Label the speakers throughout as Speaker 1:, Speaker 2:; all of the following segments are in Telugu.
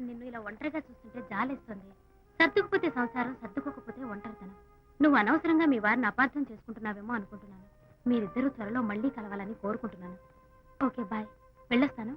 Speaker 1: నిన్ను ఇలా ఒంటరిగా చూస్తుంటే జాలేస్తుంది. సర్దుకుపోతే సంసారం, సర్దుకోకపోతే ఒంటరితనం. నువ్వు అనవసరంగా మీ వారిని అపార్థం చేసుకుంటున్నావేమో అనుకుంటున్నాను. మీరిద్దరూ త్వరలో మళ్ళీ కలవాలని కోరుకుంటున్నాను. Okay, bye. వెళ్ళొస్తాను.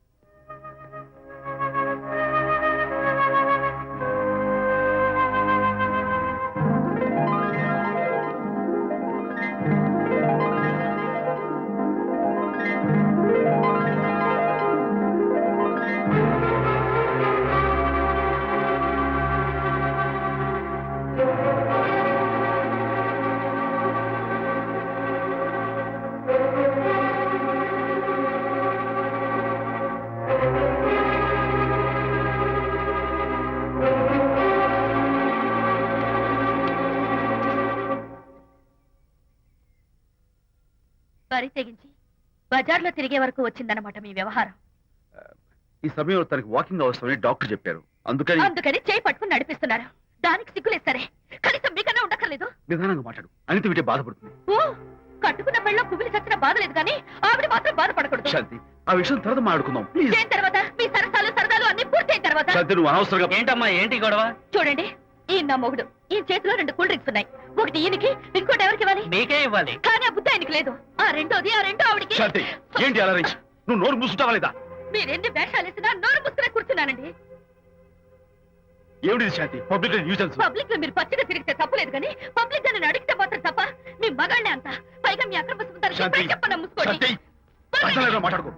Speaker 2: వరి తెగించి బజార్లో తిరిగే వరకు వచ్చిందన్నమాట మీ వ్యవహారం.
Speaker 3: ఈ సమయంలో తనకి వాకింగ్ అవసరమని డాక్టర్ చెప్పారు. అందుకని
Speaker 2: చేయి పట్టుకుని నడిపిస్తున్నారు. దానికి సిగ్గులేదు సరే, కనీసం మీకన్నా ఉండక్కర్లేదు.
Speaker 3: నిదానంగా మాట్లాడు. అనిత వింటే బాధపడుతుంది.
Speaker 2: ఓ, కట్టుకున్న పెళ్ళలో కుమిలి చచ్చిన బాధ లేదు కానీ ఆవిడ మాత్రం బాధపడకూడదు.
Speaker 3: శాంతి, ఆ విషయం తర్వాత మాట్లాడుకుందాం ప్లీజ్.
Speaker 2: దేని తర్వాత? మీ సరసాలు అన్ని పూర్తయిన తర్వాత.
Speaker 3: శాంతి, నువ్వు అనవసరంగా.
Speaker 4: ఏంటమ్మా, ఏంటి గొడవ?
Speaker 2: చూడండి, ఈ నా మొగుడు, ఈ చేతిలో 2 కూల్ డ్రింక్స్ ఉన్నాయి. ఒకటి ఈయనకి, ఇంకోటి ఎవరికి ఇవ్వాలి?
Speaker 4: మీకే ఇవ్వాలి.
Speaker 2: కానీ ఆ బుద్ధి ఆయనకి లేదు. ఆ రెండో ఆవిడికి.
Speaker 3: శాంతి, ఏంటి అలా రేంజ్? నువ్వు నోరు మూసుకుంటావా లేదా?
Speaker 2: మీరెన్ని వేషాలు వేసినా నోరు ముసుకునే కూర్చున్నానండి.
Speaker 3: ఏమిటి శాంతి? Public nuisance.
Speaker 2: పబ్లిక్ లో మీరు పచ్చిగా తిరిగితే తప్పలేదు కానీ పబ్లిక్ గా నన్ను అడిగితే మాత్రం తప్ప. మీ మగాళ్ళే అంత. పైగా మీ అక్రమ సుందరికి చెప్పన్నా ముసుకోండి.
Speaker 3: మాట్లాడుకో.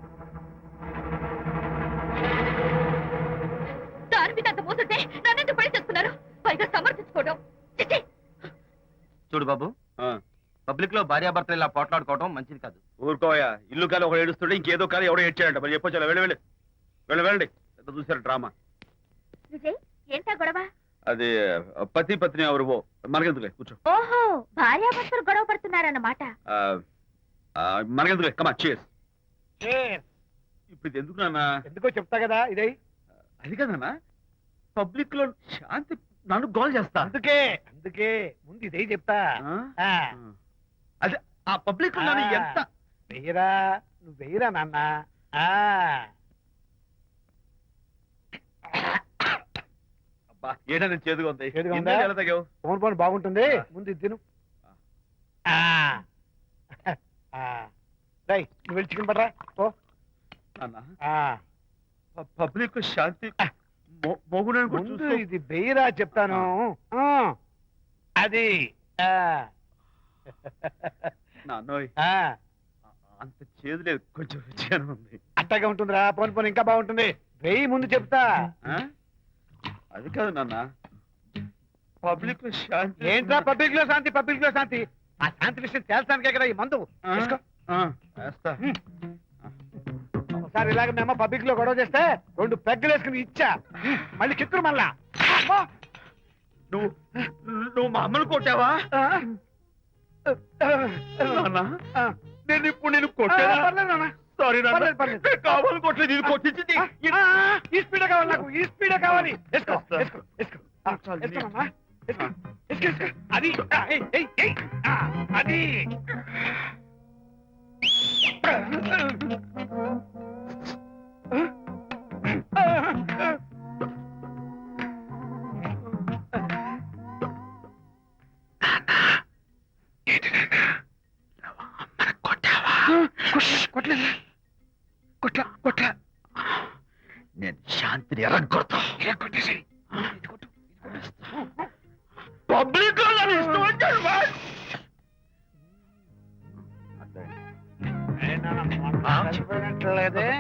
Speaker 2: దాని మీద అంత మోసుంటే నన్నెందుకు పడి చేస్తున్నారు? పైగా సమర్థించుకోవడం.
Speaker 4: చూడు బాబు, పబ్లిక్ లో భార్యాభర్తలు ఇలా పోట్లాడుకోవడం మంచిది కాదు.
Speaker 3: ఊరుకోయా. ఇల్లు కాలి ఒకడు ఏడుస్తుంటే ఇంకేదో కాలి ఎవడో ఏడ్చాడంట. మరి చెప్పొచ్చు. వెళ్ళండి. ఎంత చూసారు డ్రామా.
Speaker 1: విజయ్, ఏంటా గొడవ?
Speaker 3: అది పతి పత్ని ఎవరు మనకెందుకులే, కూర్చో.
Speaker 1: ఓహో, భార్యాభర్తలు గొడవ పడుతున్నారన్నమాట.
Speaker 3: మనకెందుకులే, కమా చేస్. ఇప్పుడు ఇది ఎందుకు నాన్న?
Speaker 5: ఎందుకో చెప్తా కదా. ఇదే
Speaker 3: అది కదన్నా, పబ్లిక్ లో శాంతి నన్ను గోల్ చేస్తా.
Speaker 5: అందుకే ముందు ఇదే చెప్తా.
Speaker 3: అదే ఆ పబ్లిక్ లో నన్ను ఎంత
Speaker 5: వెయ్యరా, నువ్వు వెయ్యరా నాన్న.
Speaker 3: అబ్బా, ఏడా నేను చేదుగా ఉంది.
Speaker 5: ఫోన్ ఫోన్ బాగుంటుంది. ముందు ఇది తిను. నువ్వు వెళ్ళి చికెన్ పడరా. ఓ
Speaker 3: పబ్లిక్ శాంతి
Speaker 5: ముందు ఇది వెయ్యరా చెప్తాను. అది
Speaker 3: నాన్నోయ్, అంత చేదు లేదు, కొంచెం రుచిగానే ఉంది.
Speaker 5: అట్టగా ఉంటుందిరా. పోను పోను ఇంకా బాగుంటుంది. వెయ్యి ముందు చెప్తా.
Speaker 3: అది కాదు నాన్న, పబ్లిక్ లో శాంతి.
Speaker 5: ఏంట్రా పబ్లిక్ లో శాంతి? పబ్లిక్ లో శాంతి? ఆ శాంతి విషయం తేల్చడానికే కదా ఈ మందు. ఒకసారి ఇలాగ మేము పబ్లిక్ లో గొడవ చేస్తే 2 పెగ్గలు వేసుకుని ఇచ్చా. మళ్ళీ కిక్కురు మళ్ళా.
Speaker 3: నువ్వు మా అమ్మను కొట్టావా? నేను ఇప్పుడు నేను కొట్టా. సారీ కావాలి కొట్టలేదు. ఇది కొట్టించింది.
Speaker 5: ఈ స్పీడ్ కావాలి నాకు. ఈ స్పీడ్ కావాలి. అది అది
Speaker 3: కొట్లా. నేను శాంతిని ఎరగొడతా. పబ్లిక్
Speaker 5: లేదే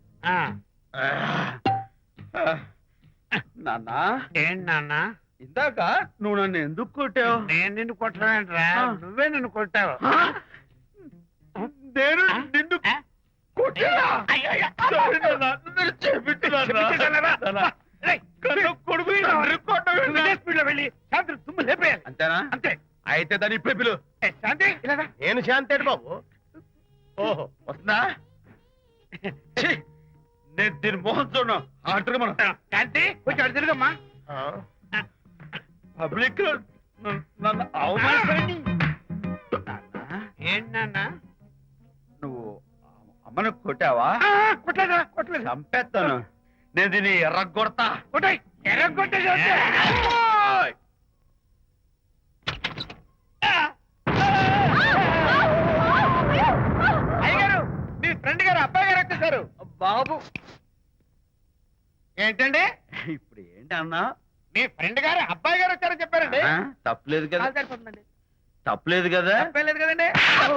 Speaker 3: నాన్న.
Speaker 5: ఏంటి నాన్న?
Speaker 3: ఇందాక నువ్వు నన్ను ఎందుకు కొట్టావు?
Speaker 5: నేను నిన్ను కొట్టలేంట్రా, నువ్వే నిన్ను కొట్టావు.
Speaker 3: నేను నిన్ను కొట్టా. అంతేనా?
Speaker 5: అంతే.
Speaker 3: అయితే దాని ఇప్పుడే పిలు.
Speaker 5: శాంతి
Speaker 3: నేను శాంతి బాబు. ఓహో, వస్తుందా? నేను దీని మోహన్ చూడను. ఆటగా మనం
Speaker 5: శాంతి కొంచెం అటు తిరుగమ్మా.
Speaker 3: పబ్లిక్ నన్ను అవమానించండి.
Speaker 5: ఏంటి నాన్న?
Speaker 3: నువ్వు అమ్మను కొట్టావా?
Speaker 5: కొట్టలేదా? కొట్టలేదు.
Speaker 3: చంపేస్తాను. నేను దీన్ని ఎర్రగొడతా.
Speaker 5: కొట్టాయి ఎర్రగొట్టే చూస్తే.
Speaker 3: ఓయ్!
Speaker 5: అయ్యగారు మీ ఫ్రెండ్ గారు అబ్బాయి గారు వచ్చేసారు.
Speaker 3: బాబు
Speaker 5: ఏంటండి
Speaker 3: ఇప్పుడు ఏంటి అన్నా?
Speaker 5: మీ ఫ్రెండ్ గారు అబ్బాయి గారు వచ్చారని చెప్పారండి.
Speaker 3: ఆ, తప్పలేదు కదా,
Speaker 5: సరిపోతుందండి.
Speaker 3: తప్పలేదు కదా.
Speaker 5: తప్పేలేదు కదండి.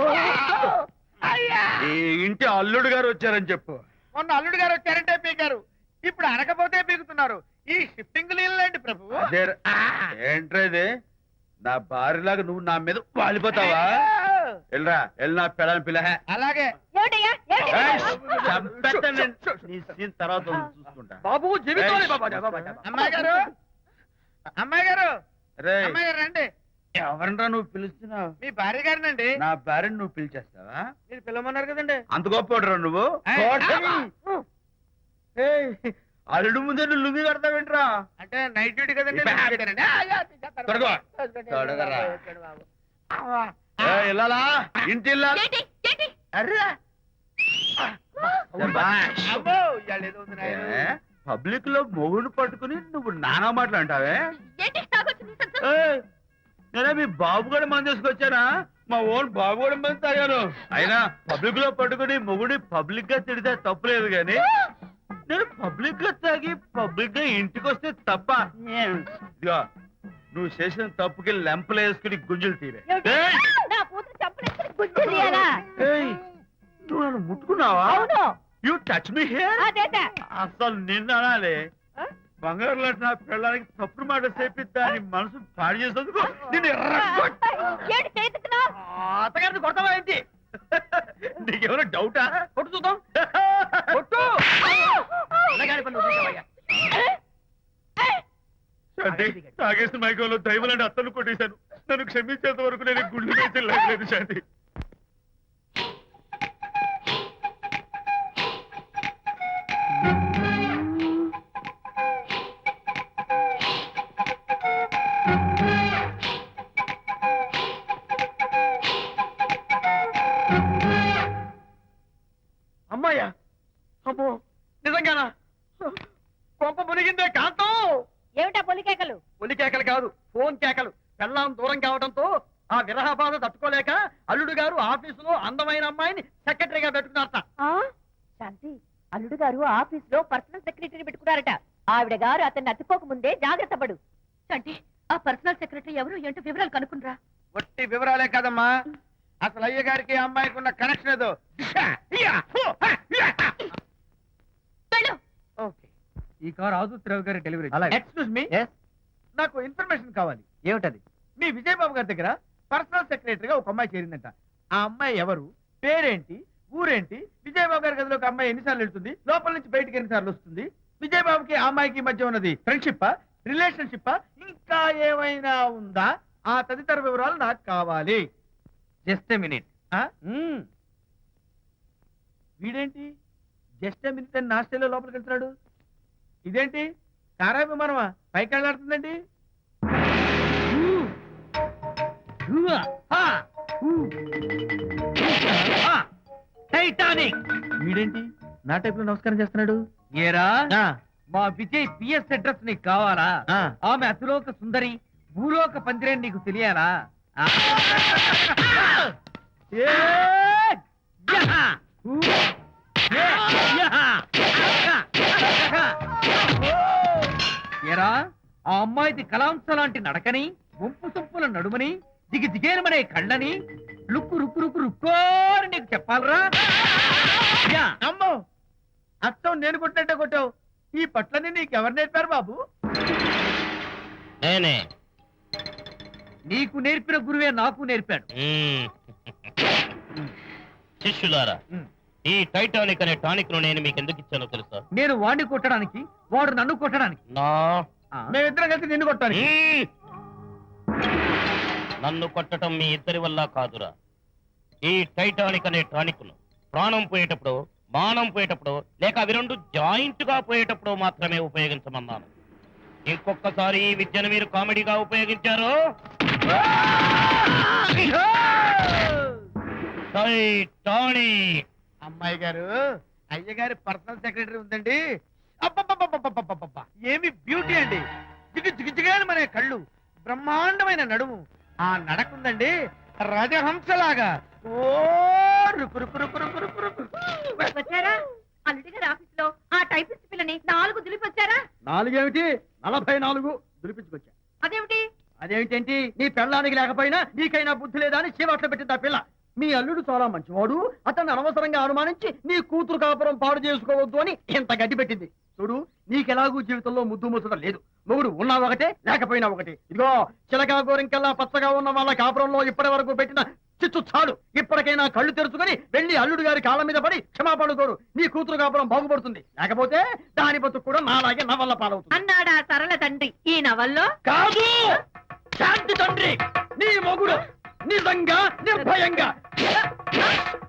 Speaker 5: అయ్యా
Speaker 3: ఈ ఇంటి అల్లుడు గారు వచ్చారని చెప్పు.
Speaker 5: మొన్న అల్లుడు గారు వచ్చారంటే పీకారు, ఇప్పుడు అనకపోతే పీకుతున్నారు. ఈ షిఫ్టింగ్ లీలండి ప్రభు.
Speaker 3: అదే ఏంట్రా ఇది? నా భార్యలాగా నువ్వు నా మీద వాలిపోతావా? వెళ్ళరా, వెళ్ళి నా పెళ్ళని పిల్ల.
Speaker 5: అలాగే
Speaker 2: ఏమిటయ్యా
Speaker 3: నీ సీన్ తర్వాత చూసుకుంటా.
Speaker 5: బాబు జీవితం. అమ్మాయి గారు అమ్మాయి గారు
Speaker 3: రేయ్,
Speaker 5: అమ్మాయి గారు రండి.
Speaker 3: ఎవరినరా నువ్వు పిలుస్తున్నావు?
Speaker 5: మీ భార్య గారినండి.
Speaker 3: నా భార్యను నువ్వు పిలిచేస్తావా?
Speaker 5: మీరు పిల్లమన్నారు కదండి.
Speaker 3: అంత గొప్ప నువ్వు? ఏయ్, అల్లుడు ముందే నువ్వు లుంగి కడతావేంట్రా?
Speaker 5: అంటే నైట్ డ్యూటీ కదండి.
Speaker 3: తొడగో. తొడగరా. ఏయ్, ఇల్లాలా? ఇంటి ఇల్లాలా?
Speaker 2: ఏంటి ఏంటి
Speaker 3: అర్రా. శభాష్.
Speaker 5: అబ్బో, ఇవాళ ఏదో ఉంది నాయనా.
Speaker 3: పబ్లిక్ లో మొగుడు పట్టుకుని నువ్వు నానా మాటలు అంటావే?
Speaker 2: ఏంటి తాగొచ్చింది సంతోషం.
Speaker 3: ఏయ్, నేనే మీ బాబు కూడా మంది తీసుకొచ్చానా? మా ఓన్ బాబు కూడా మంది తాగాను. అయినా పబ్లిక్ లో పట్టుకుని మొగుడి పబ్లిక్ గా తిడితే తప్పులేదు గాని నేను పబ్లిక్ గా తాగి పబ్లిక్ గా ఇంటికి వస్తే తప్ప. ఇదిగో, నువ్వు చేసిన తప్పుకి లెంపలు వేసుకుని గుంజులు తీరే.
Speaker 2: ఏమిటి? నా కూతురు చంపలేసుకుని గుజ్జు తీయాలా?
Speaker 3: ఏయ్, నువ్వు నన్ను ముట్టుకున్నావా?
Speaker 2: అవును
Speaker 3: యు టచ్ మీ హియర్.
Speaker 2: అదేట
Speaker 3: అసలు నిన్ను అనాలి. బంగారు లాంటి నా పిల్లలకి తప్పుడు మాట చెప్పి దాని మనసు పాడు చేసేందుకు నిన్ను
Speaker 2: ఏంటి చేతుకున్నావు?
Speaker 3: అత్తగారిని కొడతావా ఏంటి? నీకేమైనా డౌటా? కొట్టు చూద్దాం. కొట్టు. శాంతి, తాగేసిన మైకంలో దైవం లాంటి అత్తను కొట్టేశాను. నన్ను క్షమించేంత వరకు నేను ఈ గుళ్ళు వేసి లేదు శాంతి. అమ్మాయ్యా, అమ్మో, నిజంగానా? కొంప మునిగిందే కాంతం.
Speaker 2: ఏమిటా పొలికేకలు?
Speaker 5: ఒలి కేకలు కాదు, ఫోన్ కేకలు. పెళ్ళాం దూరం కావడంతో ఆ విరహ బాధ తట్టుకోలేక అల్లుడు గారు ఆఫీసులో అందమైన అమ్మాయిని సెక్రటరీగా పెట్టుకున్నారట.
Speaker 2: శాంతి, అల్లుడు గారు ఆఫీస్ లో పర్సనల్ సెక్రటరీ పెట్టుకున్నారట. ఆవిడ గారు అతన్ని అతుక్కోక ముందే జాగ్రత్త పడు. శాంతి, ఆ పర్సనల్ సెక్రటరీ ఎవరు ఏంటో వివరాలు కనుక్కుండ్రా.
Speaker 5: వట్టి వివరాలే కదమ్మా, అసలు అయ్య గారికి అమ్మాయికి ఉన్న కనెక్షన్ ఏదో.
Speaker 2: వెళ్ళు.
Speaker 5: ఓకే, ఈ కార్ ఆదుత్రావు గారి డెలివరీ. ఎక్స్క్యూజ్ మీ, నాకు ఇన్ఫర్మేషన్ కావాలి. ఏమిటది? మీ విజయబాబు గారి దగ్గర పర్సనల్ సెక్రటరీగా ఒక అమ్మాయి చేరిందంట. ఆ అమ్మాయి ఎవరు, పేరేంటి, ఊరేంటి, విజయబాబు గారి గదిలోకి అమ్మాయి ఎన్నిసార్లు వెళ్తుంది, లోపల నుంచి బయటికి ఎన్నిసార్లు వస్తుంది, విజయబాబుకి ఆ అమ్మాయికి మధ్య ఉన్నది ఫ్రెండ్షిప్, రిలేషన్షిప్, ఇంకా ఏమైనా ఉందా? ఆ తదితర వివరాలు నాకు కావాలి. Just a minute. వీడేంటి జస్ట్ ఏ మినిట్ అని నాస్టేలో లోపలికి వెళ్తున్నాడు? ఇదేంటి కారా విమానమా పైకి వెళ్ళాడుతుందండి? టైటానిక్. వీడేంటి నా టైప్ లో నమస్కారం చేస్తున్నాడు?
Speaker 6: ఏరా మా విజయ్ పిఎస్ అడ్రస్ నీకు కావాలా? ఆమె అతిలోక సుందరి, భూలోక పందిరేని నీకు తెలియాలా? ఏరా, ఆ అమ్మాయిది కలాంస లాంటి నడకని, వంపు సొంపుల నడుమని, దిగి దిగేలమనే కళ్ళని, లుక్కు రుక్కు రుక్కు రుక్కోని నీకు చెప్పాలరా?
Speaker 5: అమ్మో, అత్తం నేను కొట్టినట్టే కొట్టావు. ఈ పట్లని నీకెవరు నేర్పారు బాబు?
Speaker 7: నేనే.
Speaker 6: నీకు నేర్పిన గురువే నాకు నేర్పాడు.
Speaker 7: శిష్యులారా, ఈ టైటానిక్ అనే టానిక్ ను నేను మీకు ఎందుకు ఇచ్చానో తెలుసా?
Speaker 6: నేను వాడిని కొట్టడానికి, వాడు నన్ను కొట్టడానికి.
Speaker 7: నా
Speaker 5: మేమిద్దరం కలిసి నిన్ను కొట్టాలి.
Speaker 7: నన్ను కొట్టడం మీ ఇద్దరి వల్ల కాదురా. ఈ టైటానిక్ అనే టానిక్ ను ప్రాణం పోయేటప్పుడు, మానం పోయేటప్పుడు, లేక అవి రెండు జాయింట్ గా పోయేటప్పుడు మాత్రమే ఉపయోగించమన్నాను. ఇంకొకసారి ఈ విద్యను మీరు కామెడీగా ఉపయోగించారు, టైటానిక్.
Speaker 5: అమ్మాయి గారు, అయ్య గారి పర్సనల్ సెక్రటరీ ఉందండి, అబ్బబ్బబ్బబ్బబ్బబ్బబ్బబ్బ! ఏమి బ్యూటీ అండి, జిగజిగజిగాని మన కళ్ళు, బ్రహ్మాండమైన నడుము, ఆ నడకుందండి రాజహంసలాగా. ఓ రుకు రుకు రుకు రుకు రుకు రుకు.
Speaker 2: వచ్చారా అల్లుడి గారి ఆఫీస్ లో ఆ టైపిస్ట్ పిల్లని 4 దులిపి వచ్చారా?
Speaker 6: 4 ఏమిటి 44 దులిపించుకొచ్చా.
Speaker 2: అదేమిటి?
Speaker 6: అదేమిటేంటి, నీ పెళ్ళానికి లేకపోయినా నీకైనా బుద్ధి లేదా అని చీవాట్లు పెట్టింది ఆ పిల్ల. మీ అల్లుడు చాలా మంచివాడు, అతన్ని అనవసరంగా అనుమానించి నీ కూతురు కాపురం పాడు చేసుకోవద్దు అని ఇంత గడ్డి పెట్టింది. చూడు, నీకెలాగూ జీవితంలో ముద్దు ముచ్చడం లేదు. మొగుడు ఉన్నా ఒకటే లేకపోయినా ఒకటే. ఇదిగో చిలకా గోరింకల్లా పచ్చగా ఉన్న వాళ్ళ కాపురంలో ఇప్పటి వరకు పెట్టిన చిచ్చు చాలు. ఇప్పటికైనా కళ్ళు తెరుచుకుని వెళ్ళి అల్లుడు గారి కాళ్ళ మీద పడి క్షమాపణ కోరు. నీ కూతురు కాపురం బాగుపడుతుంది, లేకపోతే దాని బతుకు కూడా నాలాగే నవల్ల పాలవుతుంది.
Speaker 2: అన్నాడా సరళ తండ్రి ఈ నవల్లో?
Speaker 6: కాదు, శాంతి తండ్రి నీ మొగుడు నిజంగా నిర్భయంగా